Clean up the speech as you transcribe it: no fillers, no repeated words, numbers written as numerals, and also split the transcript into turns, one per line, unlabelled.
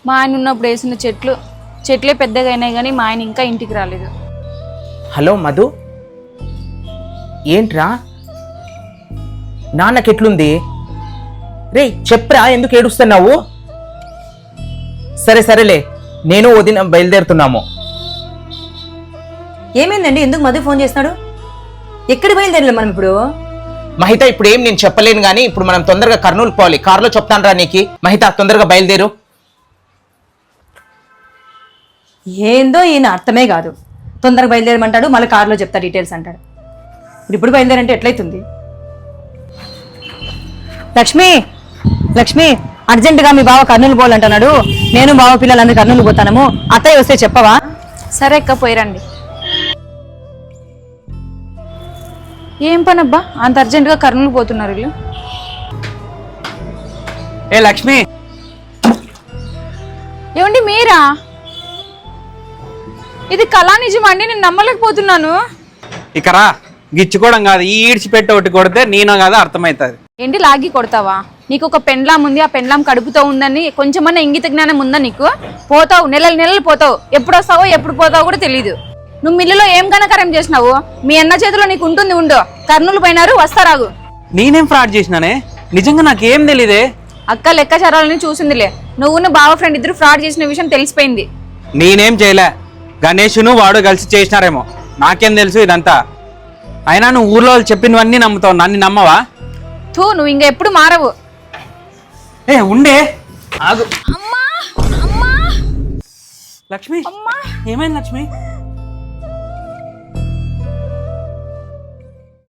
మా ఆయన ఉన్నప్పుడు వేసిన చెట్లే పెద్దగా అయినాయి కానీ మా ఆయన ఇంకా ఇంటికి రాలేదు.
హలో మధు, ఏంట్రా నాన్నకెట్లుంది? రే చెప్పరా, ఎందుకు ఏడుస్తున్నావు? సరేలే, నేను వదిన బయలుదేరుతున్నాము.
ఏమైందండి? ఎందుకు మధు ఫోన్ చేస్తున్నాడు? ఎక్కడ బయలుదేరలే మనం ఇప్పుడు?
మహిత, ఇప్పుడు ఏం నేను చెప్పలేను కానీ ఇప్పుడు మనం తొందరగా కర్నూలు పోవాలి. కారులో చెప్తాను రా నీకు. మహిత తొందరగా బయలుదేరు.
ఏందో ఈయన అర్థమే కాదు. తొందరగా బయలుదేరమంటాడు, మళ్ళీ కారులో చెప్తా డీటెయిల్స్ అంటాడు. ఇప్పుడు బయలుదేరంటే ఎట్లయితుంది? లక్ష్మి అర్జెంటుగా మీ బావ కర్నూలు పోవాలంటున్నాడు. నేను బావ పిల్లలందరూ కర్నూలు పోతాము. అత్తయ్య వస్తే చెప్పవా?
సరే అక్క, పోయిరండి. ఏం పని అబ్బా అంత అర్జెంటుగా కర్నూలు పోతున్నారు వీళ్ళు?
ఏ లక్ష్మి,
ఏమండి మీరా? ఇది కళా నిజమా అండి? నేను నమ్మలేకపోతున్నాను.
ఇకరా గిచ్చుకోవడం కాదు, ఈ ఈడ్చిపెట్టి ఒకటి కొడితే నేనో కాదు అర్థమవుతుంది.
ఏంటి లాగి కొడతావా? నీకు ఒక పెండ్లాం ఉంది, ఆ పెండ్లాం కడుపుతో ఉందని కొంచెమన్నా ఇంగిత జ్ఞానం ఉందా నీకు? పోతావు, నెలలు పోతావు. ఎప్పుడు వస్తావో ఎప్పుడు పోతావో కూడా తెలీదు. నువ్వు మిల్లులో ఏం ఘనకార్యం చేసినావు? మీ అన్న చేతిలో నీకు ఉంటుంది. ఉండు, కర్నూలు పోయినారు, వస్తారాగు.
నేనేం ఫ్రాడ్ చేసినానే? నిజంగా నాకేం తెలీదే.
అక్క లెక్కచారాలని చూసిందిలే. నువ్వు బావ ఫ్రెండ్ ఇద్దరు ఫ్రాడ్ చేసిన విషయం తెలిసిపోయింది.
నేనేం చేయలే, గణేషును వాడు కలిసి చేసినారేమో. నాకేం తెలుసు ఇదంతా? అయినా నువ్వు ఊర్లో వాళ్ళు చెప్పినవన్నీ నమ్ముతావు, నన్ను నమ్మవా?
నువ్వు ఇంకా ఎప్పుడు మారవు.
ఏ ఉండే ఆగు.
అమ్మా అమ్మా
లక్ష్మి,
అమ్మా,
ఏమైంది లక్ష్మి?